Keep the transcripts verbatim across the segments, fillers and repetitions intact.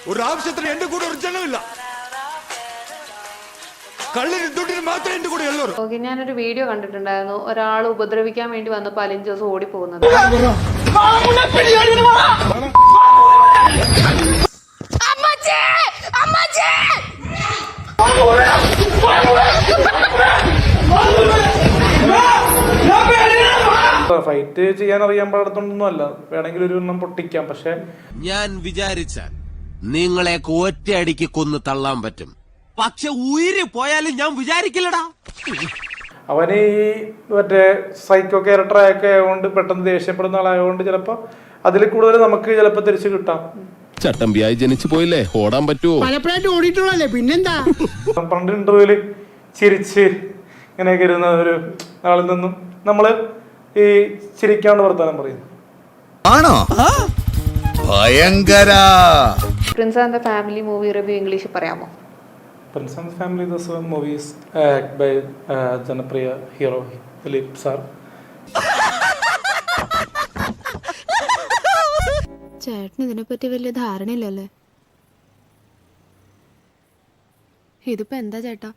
ഒരു ആവശ്യത്തിന് എന്റെ കൂടെ ഒരു ജനമില്ല. കള്ളിന് തൊട്ടിന് മാത്രമേ എന്റെ കൂടെ ഉള്ളൂ. ഓക്കെ, ഞാനൊരു വീഡിയോ കണ്ടിട്ടുണ്ടായിരുന്നു. ഒരാൾ ഉപദ്രവിക്കാൻ വേണ്ടി വന്നപ്പോൾ അലിൻ ജോസ് ഓടിപ്പോകുന്നത്. ഫൈറ്റ് ചെയ്യാൻ അറിയാൻ പാടത്തൊന്നും അല്ല, വേണമെങ്കിൽ ഒരു എണ്ണം പൊട്ടിക്കാം. പക്ഷെ ഞാൻ വിചാരിച്ചാൽ നിങ്ങളെ ഒറ്റയടിക്ക് കൊന്ന് തള്ളാൻ പറ്റും. പക്ഷെ ഉയിര് പോയാലും ഞാൻ വിചാരിക്കില്ലടാ. അവന് ഈ മറ്റേ സൈക്കോ ക്യാരക്ടറൊക്കെ ആയതുകൊണ്ട് പെട്ടെന്ന് ദേഷ്യപ്പെടുന്ന ആളായതുകൊണ്ട് ചിലപ്പോ അതിൽ കൂടുതൽ നമുക്ക് ചിലപ്പോ തിരിച്ചു കിട്ടാം. ചട്ടമ്പിയായി ജനിച്ചു പോയില്ലേ, ഓടാൻ പറ്റുമോ? പലപ്പോഴായിട്ട് ഓടിയിട്ടുള്ളല്ലേ, പിന്നെന്താ. പണ്ട് ഇന്റർവ്യൂല് ചിരിച്ച് ഇങ്ങനെയൊക്കെ ഇരുന്ന ഒരു ആളിൽ നിന്നും നമ്മള് ഈ ചിരിക്കാണ്ട് വർത്താനം പറയുന്നു. ആണോ? ഭയങ്കര. Prince and the family movie review ഇംഗ്ലീഷിൽ പറയാമോ? Prince and the Family, this movie is acted by uh, Janapriya hero Philip sir. ചേട്ടന് ഇതിനെപ്പറ്റി വലിയ ധാരണയില്ലല്ലേ? ഇതിപ്പോ എന്താ ചേട്ടാ?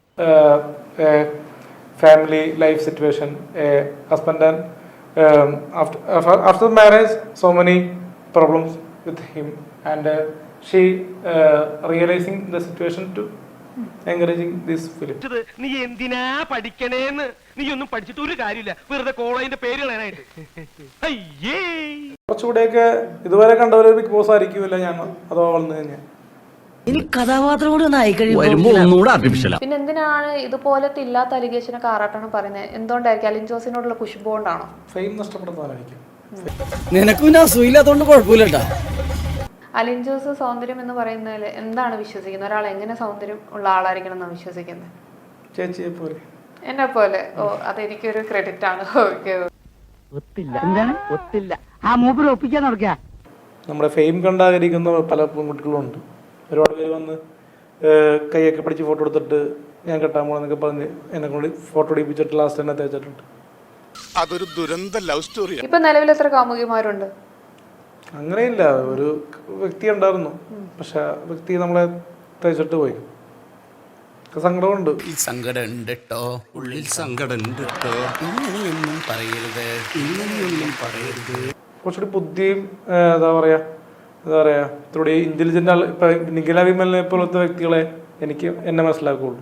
Family life situation, a husband and um, after, after after marriage, so many problems with him, and uh, she uh, realizing the situation to encouraging this film. നീ എന്തിനാ പഠിക്കണേന്ന്? നീ ഒന്നും പഠിച്ചിട്ട് ഒരു കാര്യമില്ല, വെറുതെ കോളേജിന്റെ പേര് കളയാനായിട്ട്. അയ്യേ, കുറച്ചുകൂടെയൊക്കെ ഇതുവരെ കണ്ടവര് ബിഗ് ബോസ് ആയിരിക്കുമല്ല ഞാൻ, അതോ വളർന്നു കഴിഞ്ഞാൽ പിന്നെ എന്തിനാണ് ഇതുപോലത്തെ ഇല്ലാത്ത അലിഗേഷനൊക്കെ ആറാട്ടാണ് പറയുന്നത്? എന്തുകൊണ്ടായിരിക്കും? അലിൻ ജോസിനോടുള്ള കുശുമ്പ് കൊണ്ടാണോ? ഫെയിം നഷ്ടപ്പെടുന്നതായിരിക്കും. നിനക്കും അസുഖമില്ലാത്തോണ്ട് കുഴപ്പമില്ലട്ടാ. അലിൻ ജോസ് സൗന്ദര്യം എന്ന് പറയുന്നതിൽ എന്താണ് വിശ്വസിക്കുന്നത്? ഒരാൾ എങ്ങനെ സൗന്ദര്യം ഉള്ള ആളായിരിക്കണം എന്നാണ് വിശ്വസിക്കുന്നത്? ചേച്ചിയെ പോലെ, എന്നെ പോലെ. ഓ, അതെനിക്കൊരു ക്രെഡിറ്റ് ആണ്. ഓക്കെ, നമ്മുടെ ഫെയിം കണ്ടാകരിക്കുന്ന പല പെൺകുട്ടികളും ഉണ്ട്. ഒരുപാട് പേര് വന്ന് കൈയൊക്കെ പിടിച്ച് ഫോട്ടോ എടുത്തിട്ട് ഞാൻ കെട്ടാൻ പോണെന്നൊക്കെ പറഞ്ഞ് എന്നെ കൊണ്ട് ഫോട്ടോ എടുപ്പിച്ചിട്ട് ലാസ്റ്റ് തന്നെ തേച്ചിട്ടുണ്ട്. അതൊരു ദുരന്ത ലവ് സ്റ്റോറി. ഇപ്പൊ നിലവിൽ എത്ര കാമുകിമാരുണ്ട്? അങ്ങനെയില്ല, ഒരു വ്യക്തി ഉണ്ടായിരുന്നു, പക്ഷെ ആ വ്യക്തി നമ്മളെ തേച്ചിട്ട് പോയി. സങ്കടമുണ്ട്. സങ്കടം ഉണ്ട് കേട്ടോ, ഉള്ളിൽ സങ്കടം ഉണ്ട് കേട്ടോ. ഇങ്ങനെയൊന്നും പറയരുത്, ഇങ്ങനെയൊന്നും പറയരുത്. കുറച്ചുകൂടി ബുദ്ധിയും എന്താ പറയാ എന്താ പറയാ ഇത്രൂടെ ഇന്റലിജന്റ് ആൾ ഇപ്പൊ നിഖില വിമലിനെ പോലത്തെ വ്യക്തികളെ എനിക്ക് എന്നെ മനസ്സിലാക്കുള്ളൂ.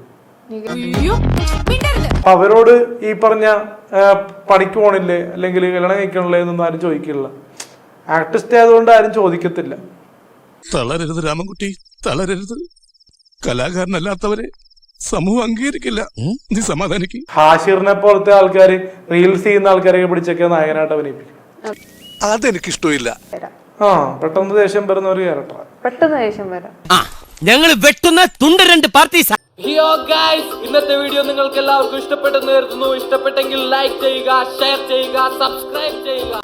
അപ്പൊ അവരോട് ഈ പറഞ്ഞ പണിക്ക് പോണില്ലേ അല്ലെങ്കിൽ കല്യാണം കഴിക്കണില്ലേ എന്നൊന്നും ആരും ചോദിക്കില്ല. ആർട്ടിസ്റ്റ് ആയതുകൊണ്ട് ആരും ചോദിക്കത്തില്ല. തളരരുത് രാമൻകുട്ടി, തളരരുത്. കലാകാരനല്ലാത്തവരെ സമൂഹം അംഗീകരിക്കില്ല. നീ സമാധാനിക്ക്. ഹാഷിറിനെ പോലത്തെ ആൾക്കാർ റീൽസ് ചെയ്യുന്ന ആൾക്കാരെ പിടിച്ചൊക്കെ നായകനായിട്ട് അഭിനയിപ്പിക്കും. അതെനിക്കിഷ്ടമില്ല. ആ, പെട്ടെന്ന് ദേഷ്യം വരുന്ന ഒരു ക്യാരക്ടറാണ്. പെട്ടെന്ന് ദേഷ്യം വരാം. ഞങ്ങൾ വെട്ടുന്ന തുണ്ട് രണ്ട് പാർട്ടീസ്. ഹിയോ ഗൈസ്, ഇന്നത്തെ വീഡിയോ നിങ്ങൾക്ക് എല്ലാവർക്കും ഇഷ്ടപ്പെട്ടെന്ന് കരുതുന്നു. ഇഷ്ടപ്പെട്ടെങ്കിൽ ലൈക്ക് ചെയ്യുക, ഷെയർ ചെയ്യുക, സബ്സ്ക്രൈബ് ചെയ്യുക.